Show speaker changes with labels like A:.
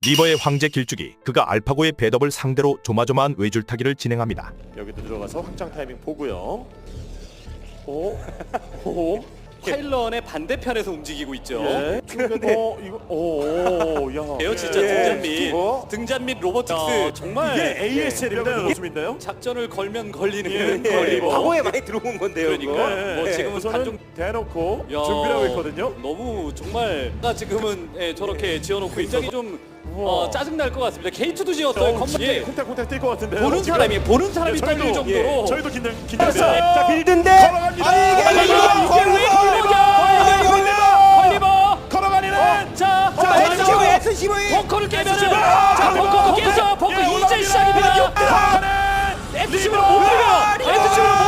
A: 리버의 황제 길쭉이 그가 알파고의 배덥을 상대로 조마조마한 외줄타기를 진행합니다.
B: 여기도 들어가서 확장 타이밍 보고요. 오, 오,
C: 파일런의 반대편에서 움직이고 있죠.
B: 예. 이거, 오, 야.
C: 에어 진짜 등잔 및 로보틱스 정말
B: 이게 ASL입니다. 모습인데요.
C: 작전을 걸면 걸리는
B: 예,
C: 걸리고.
D: 과거에 많이 들어온 건데요.
C: 그러니까
D: 그거.
C: 뭐
B: 예,
C: 지금은
B: 우선은
C: 단종
B: 대놓고
C: 야,
B: 준비를 하고 있거든요.
C: 너무 정말 지금은 저렇게 지어놓고 굉장히 좀
B: 우와.
C: 짜증 날 것 같습니다. 게이트도 지었어요.
B: 예, 콩닥콩닥 뛸 것 같은데.
C: 보는 사람이 떨릴 정도로.
B: 저희도 긴장했어요.
D: 자, 빌드인데.
B: 걸어갑니다. 걸어가니는.
C: 자,
D: SCV.
C: 벙커를 깨면은 자, 벙커 깼어. 벙커 이제 시작입니다. SCV로 못 비벼. SCV로